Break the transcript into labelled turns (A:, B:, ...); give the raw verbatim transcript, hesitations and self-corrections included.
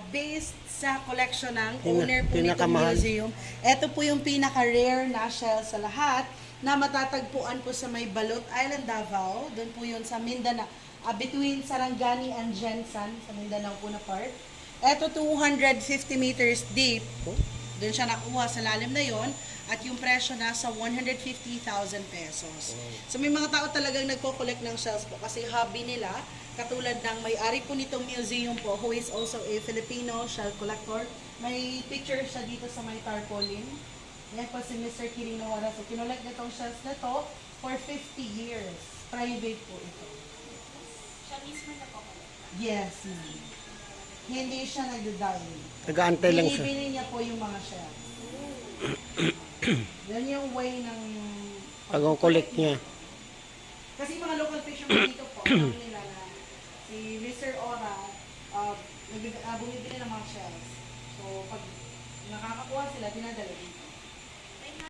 A: based sa collection ng
B: Pina-
A: owner po nitong
B: pinakamahal.
A: museum. Ito po yung pinaka-rare na shell sa lahat na matatagpuan po sa may Balot Island, Davao. Doon po yun sa Mindanao. Ah, between Sarangani and Jensan, sa Mindanao po na part. Ito two hundred fifty meters deep. Doon siya nakuha sa lalim na yon at yung presyo nasa one hundred fifty thousand pesos. So may mga tao talagang nagko-collect ng shells po kasi hobby nila. Katulad ng may-ari po nitong museum po who is also a Filipino shell collector. May picture siya dito sa may tarpaulin. Yan po si Mister Kiring Nawara. So kinolect niya itong shells na to for fifty years. Private po ito.
C: Siya mismo na po.
A: Yes, ma'am. Hindi siya nagda-dye.
B: Nag-aantay lang siya.
A: Binibili niya po yung mga shells. Yan yung way ng
B: Pag-collect niya.
A: Kasi mga local fishermen dito po, alam nila na si Mister Ora, uh, nag- uh, bumibili ng mga shells. So, pag nakakakuha sila, dinadala dito.